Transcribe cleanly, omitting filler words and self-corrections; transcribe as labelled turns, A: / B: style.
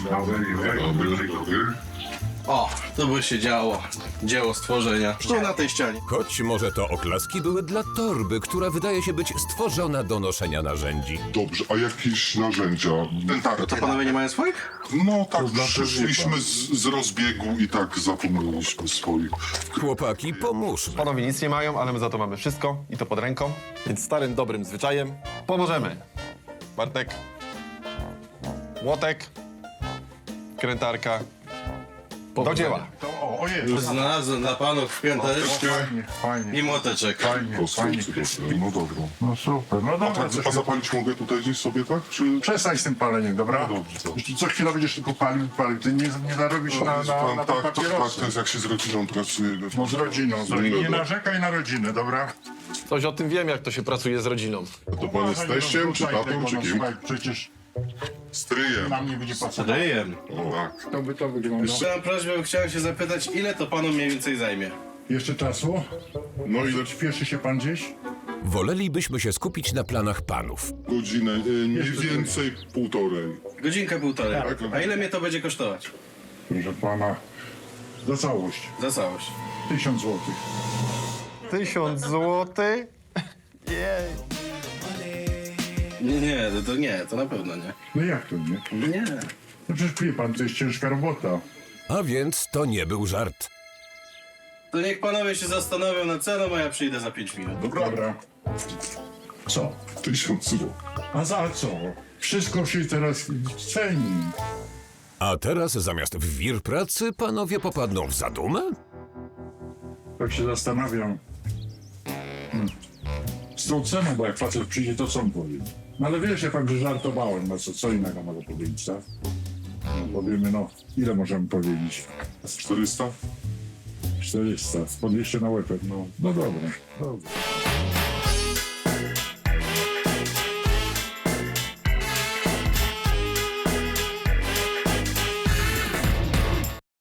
A: Dobry.
B: O, to by się działo. Dzieło stworzenia. Tu na tej ścianie.
C: Choć może to oklaski były dla torby, która wydaje się być stworzona do noszenia narzędzi.
A: Dobrze, a jakieś narzędzia?
B: To panowie nie mają swoich?
A: No tak, przyszliśmy z rozbiegu i tak zapomnieliśmy swoich.
C: Chłopaki, pomóżmy.
D: Panowie nic nie mają, ale my za to mamy wszystko i to pod ręką. Więc starym, dobrym zwyczajem pomożemy. Bartek, młotek, krętarka. Do dzieła.
B: Już znalazłem dla panów pięteczkę
E: Fajnie,
B: i młoteczek.
E: fajnie.
A: No dobra.
E: No super, no dobra.
A: A zapalić mogę tutaj gdzieś sobie, tak? Czy...
E: Przestań z tym paleniem, dobra?
A: No dobrze, dobrze.
E: Jeśli co chwilę będziesz tylko palił. Ty nie zarobisz na
A: tak,
E: te
A: tak,
E: papierosy.
A: to jest jak się z rodziną pracuje.
E: No z rodziną. Nie narzekaj na rodzinę, dobra?
D: Coś o tym wiem, jak to się pracuje z rodziną.
A: To pan jest teściem, czy tatą, czy kim?
E: Słuchaj, przecież
A: Stryjem.
E: nam nie będzie pasować.
B: Ryjem.
A: O, tak.
E: To by to wyglądało.
B: Mam prośbę, chciałem się zapytać, ile to panu mniej więcej zajmie?
E: Jeszcze czasu?
A: No i
E: Śpieszy się pan gdzieś?
C: Wolelibyśmy się skupić na planach panów.
A: godzinę, mniej więcej półtorej.
B: Godzinkę, półtorej. A ile mnie to będzie kosztować?
E: Proszę pana, za całość.
B: Za całość.
E: 1000 złotych.
D: 1000 złotych?
B: Nie, to nie, to na pewno nie.
E: No jak to nie?
B: Nie.
E: No przecież wie pan, to jest ciężka robota.
C: A więc to nie był żart.
B: To niech panowie się zastanowią nad ceną, a ja przyjdę za 5 minut.
E: Dobra. Co?
A: 1000 zł.
E: A za co? Wszystko się teraz ceni.
C: A teraz zamiast w wir pracy panowie popadną w zadumę?
E: Tak się zastanawiam. Z tą ceną, bo jak facet przyjdzie, to co on powie? No ale wiesz, ja tak, że żartowałem, no co innego mogę powiedzieć, tak? No, powiemy, no, ile możemy powiedzieć?
A: 400?
E: 400, po 200 na łepek, no. No dobra, dobra.